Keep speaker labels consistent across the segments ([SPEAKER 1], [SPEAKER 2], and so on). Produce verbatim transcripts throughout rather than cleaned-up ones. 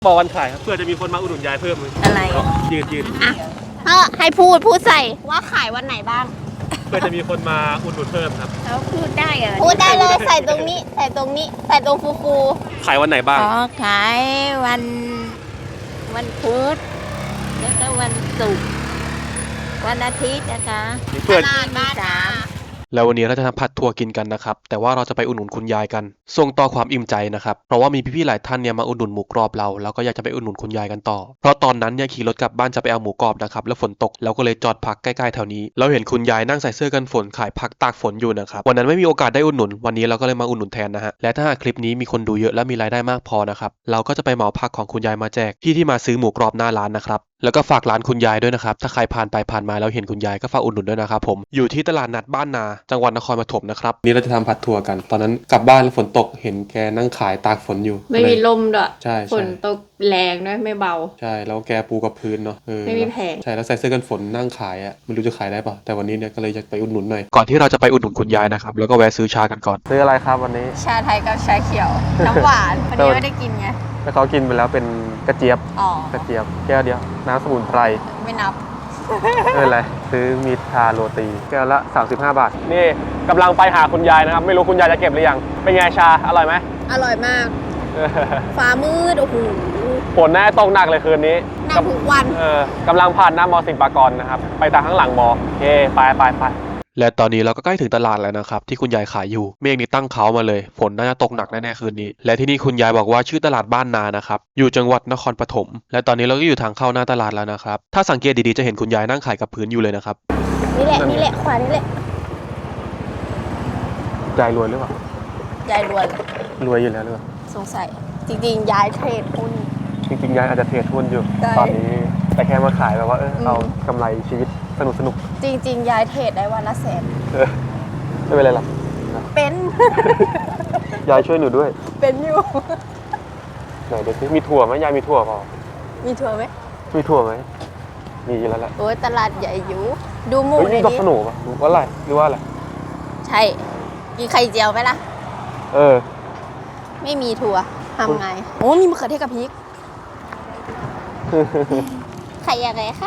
[SPEAKER 1] บอกวันขายครับเพื่อจะมีคนมาอุดหนุนยายเพิ่มเลย
[SPEAKER 2] อะไร
[SPEAKER 1] ยืดยืด
[SPEAKER 2] อ่ะเออให้พูดพูดใส่ว่าขายวันไหนบ้าง
[SPEAKER 1] เพื่อจะมีคนมาอุดหนุนเพิ่มครับ
[SPEAKER 2] แล้วพูดได้เหรอพูดได้เลยใส่ตรงนี้ใส่ตรงนี้ใส่ตรงฟูฟู
[SPEAKER 1] ขายวันไหนบ้าง
[SPEAKER 2] อ๋อขายวันวันพุธแล้วก็วันศุกร์วันอาทิตย์นะคะ
[SPEAKER 1] เพื่อ
[SPEAKER 2] ตลาดบ้านนา
[SPEAKER 1] แล้ววันนี้เราจะทำผัดถั่วกินกันนะครับแต่ว่าเราจะไปอุดหนุนคุณยายกันส่งต่อความอิ่มใจนะครับเพราะว่ามีพี่ๆหลายท่านเนี่ยมาอุดหนุนหมูกรอบเราแล้วก็อยากจะไปอุดหนุนคุณยายกันต่อเพราะตอนนั้นเนี่ยขี่รถกลับบ้านจะไปเอาหมูกรอบนะครับแล้วฝนตกเราก็เลยจอดพักใกล้ๆแถวนี้เราเห็นคุณยายนั่งใส่เสื้อกันฝนขายผักตากฝนอยู่นะครับวันนั้นไม่มีโอกาสได้อุดหนุนวันนี้เราก็เลยมาอุดหนุนแทนนะฮะและถ้าหากคลิปนี้มีคนดูเยอะและมีรายได้มากพอนะครับเราก็จะไปเหมาผักของคุณยายมาแจกพี่ที่มาซื้อหมูกรอบหน้าร้านนะครับแล้วก็ฝากร้านคุณยายด้วยนะครับถ้าใครผ่านไปผ่านมาแล้วเห็นคุณยายก็ฝากอุดหนุนด้วยนะครับผมอยู่ที่ตลาดนัดบ้านนาจังหวัดนครปฐมนะครับนี่เราจะทำผัดถั่วกันตอนนั้นกลับบ้านแล้วฝนตกเห็นแกนั่งขายตากฝนอยู่
[SPEAKER 3] ไม่มีลมด้วย
[SPEAKER 1] ใช่
[SPEAKER 3] ฝนตกแรงด้วยไม่เบา
[SPEAKER 1] ใช่แล้วแกปูกับพื้นเนาะ
[SPEAKER 3] ไม่มีแผง
[SPEAKER 1] ใช่แล้วใส่เสื้อกันฝนนั่งขายอ่ะไม่รู้จะขายได้ป่ะแต่วันนี้เนี่ยก็เลยจะไปอุดหนุนหน่อยก่อนที่เราจะไปอุดหนุนคุณยายนะครับแล้วก็แวะซื้อชากันก่อนซื้ออะไรครับวันนี้
[SPEAKER 2] ชาไทยกับชาเขียวน้ำหวานวันนี้ไม่ได้กินไง
[SPEAKER 1] แล้วเขากินไปแล้วเป็นกระเจี๊ยบ
[SPEAKER 2] อ๋อก
[SPEAKER 1] ระเจี๊ยบแก้วเดียวน้ำสมุนไพร
[SPEAKER 2] ไม่นับ
[SPEAKER 1] ไม่เป็นไรซื้อมีชาโรตีแก้วละสามสิบห้าบาทนี่กำลังไปหาคุณยายนะครับไม่รู้คุณยายจะเก็บหรือยังเป็นไงชาอร่อยไหม
[SPEAKER 2] อร่อยมากฟ้ามืดโอ้โห
[SPEAKER 1] ฝนแน่ตกหนักเลยคืนนี้
[SPEAKER 2] หนักทุกวัน
[SPEAKER 1] เออกำลังผ่านหน้ามอสิงห์ปากรนะครับไปทางข้างหลังมอโอเคไปไปไปและตอนนี้เราก็ใกล้ถึงตลาดแล้วนะครับที่คุณยายขายอยู่เมฆนี่ตั้งเขามาเลยฝนน่าจะตกหนักแน่ๆคืนนี้และที่นี่คุณยายบอกว่าชื่อตลาดบ้านนานะครับอยู่จังหวัดนครปฐมและตอนนี้เราก็อยู่ทางเข้าหน้าตลาดแล้วนะครับถ้าสังเกตดีๆจะเห็นคุณยายนั่งขายกับพื้นอยู่เลยนะครับ
[SPEAKER 2] นี่แหละนี่แหละขวานี่แหละ
[SPEAKER 1] ยายรวยหรือเปล่า
[SPEAKER 2] ยายรวย
[SPEAKER 1] รวยอยู่แล้วหรือเปล่า
[SPEAKER 2] สงสัยจริงๆยายเทรดหุ้น
[SPEAKER 1] จริงๆยายอาจจะเทรดหุ้นอยู่ตอนนี้แต่แค่มาขายแบบว่าเออเอากำไรชีวิตสนุกสนุก
[SPEAKER 2] จริงๆยายเทรดได้วันละแสน
[SPEAKER 1] ไม่เป็นไรหรอก
[SPEAKER 2] เป็น
[SPEAKER 1] ยายช่วยหนูด้วย
[SPEAKER 2] เป็นอยู่
[SPEAKER 1] ไหนเดี๋ยวสิมีถั่วไหมยายมีถั่วเปล่า
[SPEAKER 2] มีถั่วไหม
[SPEAKER 1] มีถั่วไหมมีอยู่แล้วแหละ
[SPEAKER 2] โอ้ยตลาดใหญ่อยู่ดูหมู
[SPEAKER 1] เลยดิดอกขนุนป่ะหรือว่าอะไรหรือว่าอะไร
[SPEAKER 2] ใช่กินไข่เจียวไหมล่ะ
[SPEAKER 1] เออ
[SPEAKER 2] ไม่มีถั่วทำไงโอ้มีมะเขือเทศกับพริกไข่ยังไงคะ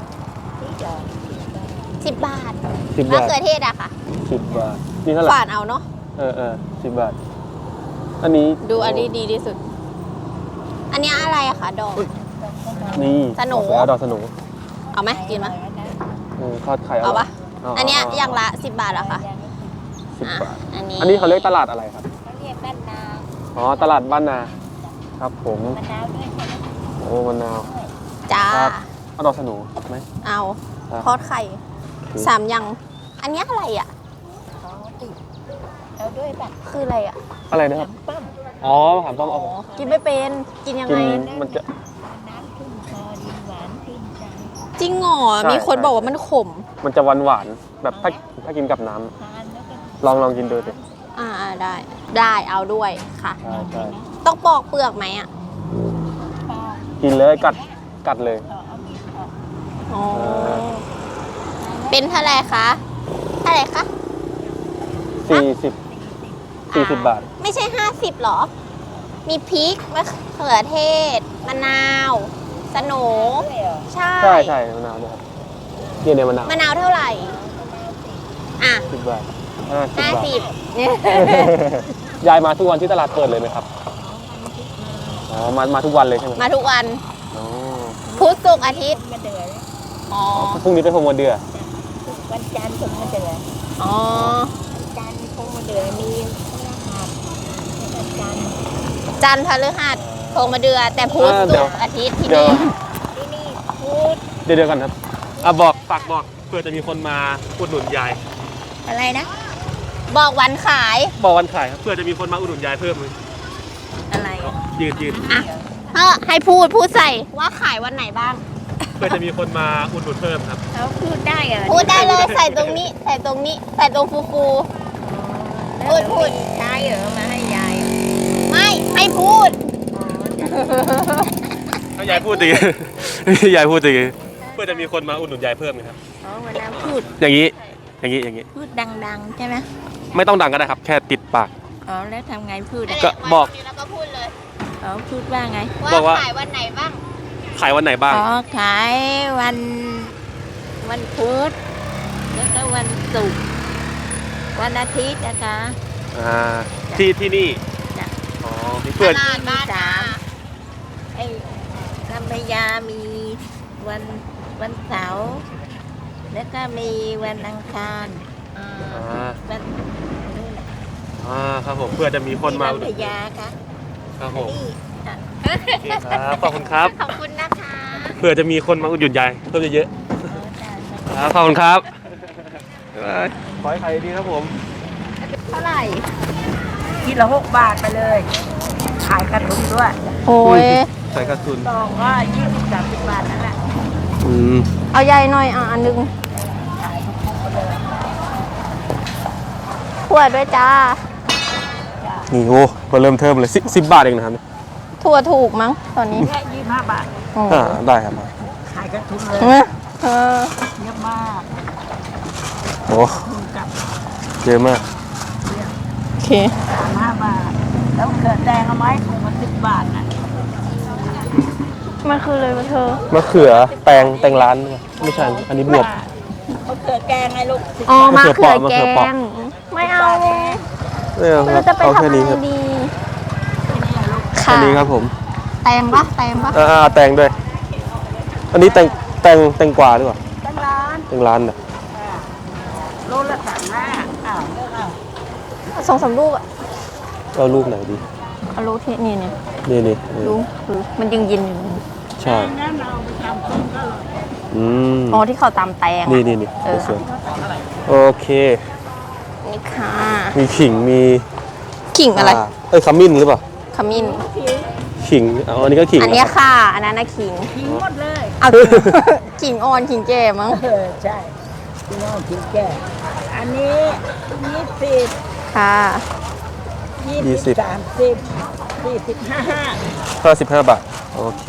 [SPEAKER 2] สิบบาทมะเขือเทศอะค่ะ
[SPEAKER 1] สิบบาทนี่เท่าไหร่
[SPEAKER 2] ฝานเอาเนาะ
[SPEAKER 1] เออเออสิบบาทอันนี้
[SPEAKER 2] ดูอันนี้ดีที่สุดอันนี้อะไรอะคะดอก
[SPEAKER 1] นี่
[SPEAKER 2] สนู
[SPEAKER 1] ดอกสนู
[SPEAKER 2] เอาไหมกินไหม
[SPEAKER 1] ทอดไข่
[SPEAKER 2] เอาปะอันนี้อย่างละสิบบาทอะค่ะ
[SPEAKER 1] สิบบาท
[SPEAKER 2] อันนี้
[SPEAKER 1] อันนี้เขาเรียกตลาดอะไรครับ
[SPEAKER 2] เขาเรียกบ้านนา
[SPEAKER 1] อ๋อตลาดบ้านนาครับผม
[SPEAKER 2] มะนาวด้วยใช่ไหม
[SPEAKER 1] โอ้มะนาว
[SPEAKER 2] จ้า
[SPEAKER 1] เอาดอกสนูไหม
[SPEAKER 2] เอาทอดไข่สามอย่างอันนี้อะไรอ่ะแล้วด้วยแบบคืออะไรอ่ะ
[SPEAKER 1] อะไรนะครับอ๋อถามป้อมอ๋อ
[SPEAKER 2] กินไม่เป็นกินยังไง
[SPEAKER 1] มันจะ
[SPEAKER 2] จริงเหรอมีคนบอกว่ามันขม
[SPEAKER 1] มันจะหวานหวานแบบถ้าถ้ากินกับน้ำลองลองกินดูสิ
[SPEAKER 2] อ่าได้ได้เอาด้วยค่ะ
[SPEAKER 1] ใช่ใช่
[SPEAKER 2] ต้องปอกเปลือกไหมอ่ะ
[SPEAKER 1] กินเลยกัดกัดเลย
[SPEAKER 2] อ๋อเป็นเท่าไหร่คะเท่าไหร่คะ
[SPEAKER 1] สี่สิบสี่สิบบาท
[SPEAKER 2] ไม่ใช่ห้าสิบหรอมีพริกมะเขือเทศมะนาวสโหน่ใช่
[SPEAKER 1] ใช่ใช่มะนาวด้วยครับเดี๋ยวเนี่ยมะนาว
[SPEAKER 2] มะนาวเท่าไหร่อ่ะ
[SPEAKER 1] สิบบาท
[SPEAKER 2] ห้าสิบ
[SPEAKER 1] ยายมาทุกวันที่ตลาดเปิดเลยไหมครับอ๋อมามาทุกวันเลยใช่ไหม
[SPEAKER 2] มาทุกวันพุธศุกร์อาทิตย์
[SPEAKER 1] อ๋อพรุ่งนี้เป็นพรหมเดือ
[SPEAKER 2] วันจันทร์พรหมเดืออ๋อวันจันทร์พรหมเดือมีจันทร์พฤหัสพรหมเดือแต่พุธศุกร์อาทิตย์ที่นี่ที่นี่พุธ
[SPEAKER 1] เดี๋ยวเดี๋ยวกันครับอ่ะบอกฝากบอกเพื่อจะมีคนมาอุดหนุนยาย
[SPEAKER 2] อะไรนะบอกวันขาย
[SPEAKER 1] บอกวันขายเพื่อจะมีคนมาอุดหนุนยายเพิ่มเลย
[SPEAKER 2] อะไร
[SPEAKER 1] ยืดยืด
[SPEAKER 2] อ่ะเออให้พูดพูดใส่ว่าขายวันไหนบ้าง
[SPEAKER 1] เพื่อจะมีคนมาอุดหนุนเพิ่มครับ
[SPEAKER 2] แล้วพูดได้เหรอพูดได้เลยใส่ตรงนี้ใส่ตรงนี้ใส่ตรงฟูฟูพูดพูดใช่เหรอมาให้ยายไม่ให้พูด
[SPEAKER 1] ถ้ายายพูดดียายพูดดีเพื่อจะมีคนมาอุดหนุนยายเพิ่มครับ
[SPEAKER 2] อ๋อมาแล้วพูด
[SPEAKER 1] อย่างนี้อย่างนี้อย่างนี้
[SPEAKER 2] พูดดังๆใช่ไหม
[SPEAKER 1] ไม่ต้องดังก็ได้ครับแค่ติดปาก
[SPEAKER 2] อ๋อแล้วทำไงพูด
[SPEAKER 1] ก็บอก
[SPEAKER 2] แล้วก็พูดเลย
[SPEAKER 4] เขาพูดว่าไง
[SPEAKER 1] บอกว่า
[SPEAKER 2] ขายวันไหนบ้าง
[SPEAKER 1] ขายวันไหนบ้าง
[SPEAKER 4] อ๋อขายวันวันพุธแล้วก็วันศุกร์วันอาทิตย์นะคะ
[SPEAKER 1] อ่าที่ที่นี่
[SPEAKER 4] จ้ะ
[SPEAKER 1] อ๋อมีเปิด
[SPEAKER 2] ตลาดบ้านนา
[SPEAKER 4] ไอ้ลำพญามีวันวันเสาร์แล้วก็มีวันอังคาร
[SPEAKER 2] อ่า
[SPEAKER 1] อ่า
[SPEAKER 4] วันนู่นน่ะ
[SPEAKER 1] อ่าครับผมเพื่อจะมีคนมา
[SPEAKER 4] ที่ลำพญาค่ะ
[SPEAKER 1] ครับผม
[SPEAKER 4] นี่อ่ะ
[SPEAKER 1] โอเคครับขอบคุณครับ
[SPEAKER 2] ขอบคุณนะคะ
[SPEAKER 1] เพื่อจะมีคนมาอุดหนุนยายเพิ่มเยอะ
[SPEAKER 4] เอาจ้ะ
[SPEAKER 1] ๆครับขอบคุณครับบ๊ายบายขอให้ขายดีครับผม
[SPEAKER 2] เท่าไหร่
[SPEAKER 4] คิดละหกบาทไปเลย ขายกระทุนด้วย
[SPEAKER 2] โอ้ย
[SPEAKER 1] ใส่กระสุน
[SPEAKER 4] ซองก็ยี่สิบสามสิบบาทนั่นแหละ
[SPEAKER 1] อืม
[SPEAKER 2] เอาใหญ่หน่อยอ่ะอันหนึงถั่วด้วยจ้า
[SPEAKER 1] นี่โอ้มาเริ่มเทิมเลยสิสิบบาทเองนะครับ
[SPEAKER 2] ถั่วถูกมั้งตอนนี้
[SPEAKER 4] แค่ยี่สิบห้าบาท
[SPEAKER 2] โอ้
[SPEAKER 1] อ่าได้ครับ
[SPEAKER 4] ขายกระทุนเลย
[SPEAKER 2] เออเออ
[SPEAKER 4] เยอะมาก
[SPEAKER 1] โอ้
[SPEAKER 4] กับ
[SPEAKER 1] เยอะมาก
[SPEAKER 2] โอเค
[SPEAKER 4] สามห้าบาท แล้วเกิดแดงเอาไหมถุงละสิบบาทน่ะ
[SPEAKER 2] มันคือเลยมาเธอ
[SPEAKER 1] มะเขือแตงแตงร้านไม่ใช่อันนี้บวบ
[SPEAKER 4] เขาเกิดแกงไงลูกสิบ
[SPEAKER 2] อ๋อบ
[SPEAKER 4] าท
[SPEAKER 2] มะ
[SPEAKER 1] มะเขื
[SPEAKER 2] เขื
[SPEAKER 1] อ
[SPEAKER 2] อ
[SPEAKER 1] เปราะ
[SPEAKER 2] แก
[SPEAKER 1] มะเขือเปราะ
[SPEAKER 2] งไม่เอา
[SPEAKER 1] ไม่เอา
[SPEAKER 2] ไม่
[SPEAKER 1] ครั
[SPEAKER 2] รู้
[SPEAKER 1] บ
[SPEAKER 2] จะไป
[SPEAKER 1] เอา
[SPEAKER 2] ทำ
[SPEAKER 1] แค่
[SPEAKER 2] อะไร
[SPEAKER 1] นี้ครับ
[SPEAKER 2] ดี
[SPEAKER 1] แค่
[SPEAKER 2] ค่ะ
[SPEAKER 1] นี้ครับผม
[SPEAKER 2] แตงปะแตงปะ
[SPEAKER 1] อ่าอ่าแตงด้วย อันนี้แตงแตงแตงกวาหรือเปล่า
[SPEAKER 4] ตั้งร้าน
[SPEAKER 1] แตงร้านน่ะ
[SPEAKER 4] โลละสามห้าอ้าวเลือกเอา
[SPEAKER 2] สองสามลูกอะ
[SPEAKER 1] เอาลูกไหนดี
[SPEAKER 2] เอาลูกที่นี่เนี่ย
[SPEAKER 1] นี่นี่นี่
[SPEAKER 2] ลูกคือมันยังเย็นอยู่
[SPEAKER 1] ใช่
[SPEAKER 4] งั้นเราไปทำต้มก็เลย
[SPEAKER 1] อืม
[SPEAKER 2] อ๋อที่เขาตำแตงอะ
[SPEAKER 1] นี่นี่นี่
[SPEAKER 2] เออ
[SPEAKER 1] สวยๆโอเค
[SPEAKER 2] นี่ค่ะ
[SPEAKER 1] มีขิงมี
[SPEAKER 2] ขิงอะไร
[SPEAKER 1] าเอ้ยขมิ้นหรือเปล่า
[SPEAKER 2] ขมิ้น
[SPEAKER 1] ขิงเอาอันนี้ก็ขิง
[SPEAKER 2] อันเนี้ยค่ะ อันนั้นนะขิง
[SPEAKER 4] ทิ้งหมดเลย
[SPEAKER 2] เอา ขิงอ่อนขิงแก่มั้ง
[SPEAKER 4] เออใช่พี่น้องทิ้งแก่อันนี้ยี่สิบ
[SPEAKER 2] ค่ะ
[SPEAKER 4] ยี่สิบสามสิบสี่สิบห้าห้า
[SPEAKER 1] ห้าสิบห้าบาท โอเค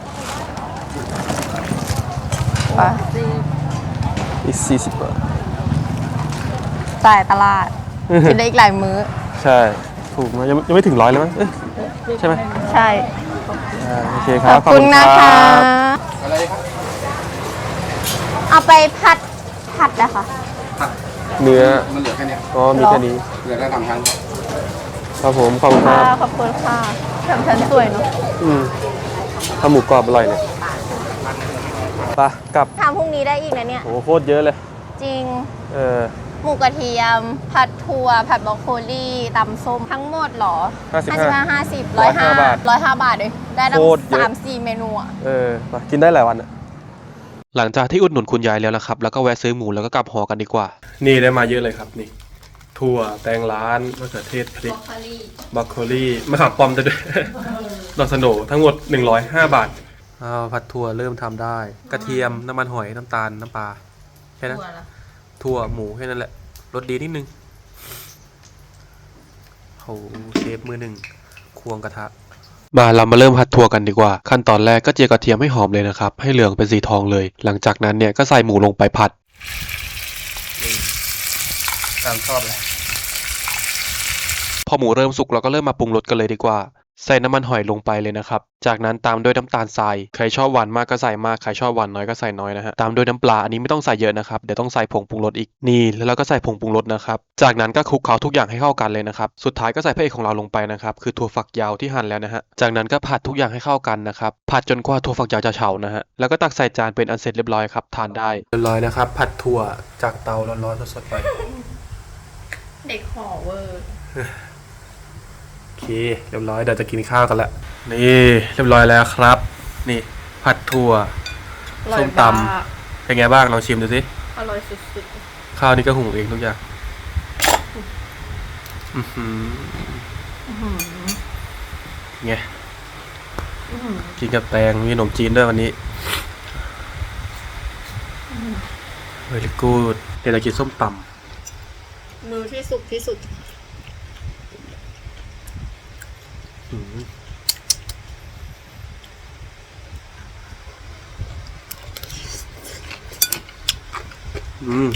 [SPEAKER 2] ไป
[SPEAKER 4] สิบ
[SPEAKER 1] อีกสี่สิบบาท
[SPEAKER 2] จ่ายตลาด กินได้อีกหลายมื้อ
[SPEAKER 1] ใช่ ถูกไหมยังยังไม่ถึงร้อยเลยมั้งเอ๊ะใช่ไหม
[SPEAKER 2] ใช่
[SPEAKER 1] อ่าโอเคค
[SPEAKER 2] ข
[SPEAKER 1] รั
[SPEAKER 2] อ
[SPEAKER 1] บบ
[SPEAKER 2] คุณนะคะ
[SPEAKER 1] อะไรครับ
[SPEAKER 2] เอาไปผัดผัดนะคะ
[SPEAKER 1] เนื้อ
[SPEAKER 5] มันเหลือแค่เนี้ย
[SPEAKER 1] อ๋อมีแค่นี้
[SPEAKER 5] เหลือแค่สามชั้น
[SPEAKER 1] ครับผมขอบคุณค
[SPEAKER 2] ค่ะ
[SPEAKER 1] รับ
[SPEAKER 2] ขอบคุณค่ะทำฉันสวยเนาะ
[SPEAKER 1] อืมข้าวหมูกรอบอร่อยเนี่ยไปกลับ
[SPEAKER 2] ทำพรุ่งนี้ได้อีกนะเนี่ย
[SPEAKER 1] โอ้โหโคตรเยอะเลย
[SPEAKER 2] จริง
[SPEAKER 1] เออ
[SPEAKER 2] หมูกระเทียม ผัดถั่ว ผัดบรอกโคลีตำส้ม ทั้งหมดเหรอ
[SPEAKER 1] ห้าสิบห้า
[SPEAKER 2] ห้าสิบร้อยห้า
[SPEAKER 1] บาท
[SPEAKER 2] ร้อยห้าบาทเลย ได้ตั้ง
[SPEAKER 1] โคตรเยอะ
[SPEAKER 2] สามสี่เมนูอ่ะ
[SPEAKER 1] เออไปกินได้หลายวันอะหลังจากที่อุดหนุนคุณยายแล้วนะครับ แล้วก็แวะซื้อหมูแล้วก็กลับหอกันดีกว่า นี่ได้มาเยอะเลยครับนี่ ถั่วแตงร้านมะเขือเทศพริกบรอกโคลีมะขามป้อมจะด้วย ดอกสโหนทั้งหมดหนึ่งร้อยห้าบาทอ้าวผัดถั่วเริ่มทำได้ กระเทียมน้ำมันหอยน้ำตาลน้ำปลาแค่นั้นถั่วหมูแค่นั้นแหละรสดีนิดนึงโหเชฟมือหนึ่งควงกระทะ มาเรามาเริ่มผัดถั่วกันดีกว่า ขั้นตอนแรกก็เจียวกระเทียมให้หอมเลยนะครับ ให้เหลืองเป็นสีทองเลย หลังจากนั้นเนี่ยก็ใส่หมูลงไปผัดตามชอบเลยพอหมูเริ่มสุกเราก็เริ่มมาปรุงรสกันเลยดีกว่า ใส่น้ำมันหอยลงไปเลยนะครับ จากนั้นตามด้วยน้ำตาลทราย ใครชอบหวานมากก็ใส่มาก ใครชอบหวานน้อยก็ใส่น้อยนะฮะ ตามด้วยน้ำปลา อันนี้ไม่ต้องใส่เยอะนะครับ เดี๋ยวต้องใส่ผงปรุงรสอีก นี่แล้วเราก็ใส่ผงปรุงรสนะครับ จากนั้นก็คลุกเคล้าทุกอย่างให้เข้ากันเลยนะครับ สุดท้ายก็ใส่พระเอกของเราลงไปนะครับ คือถั่วฝักยาวที่หั่นแล้วนะฮะ จากนั้นก็ผัดทุกอย่างให้เข้ากันนะครับ ผัดจนกว่าถั่วฝักยาวจะเฉานะฮะ แล้วก็ตักใส่จานเป็นอันเสร็จเรียบร้อยครับทานได้ เรียบร้อยนะครับ ผัดถั่วจากเตาร้อนๆสดๆไป
[SPEAKER 3] เด็กขอเวอร์
[SPEAKER 1] โอเคเรียบร้อยเดี๋ยวจะกินข้าวกันละนี่เรียบร้อยแล้วครับ นี่ผัดถั่วส้มตำเป็นไงบ้างลองชิมดูสิ
[SPEAKER 3] อร่อยสุด
[SPEAKER 1] ข้าวนี่ก็หุงเองทุกอย่างอือหือไงกินกับแตงมีขนมจีนด้วยวันนี้เฮ้ยกูดเดี๋ยวจะกินส้มต
[SPEAKER 3] ๆ มือที่สุกที่สุด
[SPEAKER 1] ำอืมอืม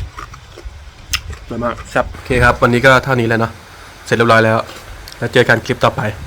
[SPEAKER 1] อร่อยมากครับโอเคครับ วันนี้ก็เท่านี้แล้วเนาะเสร็จเรียบร้อยแล้ว แล้วเจอกันคลิปต่อไป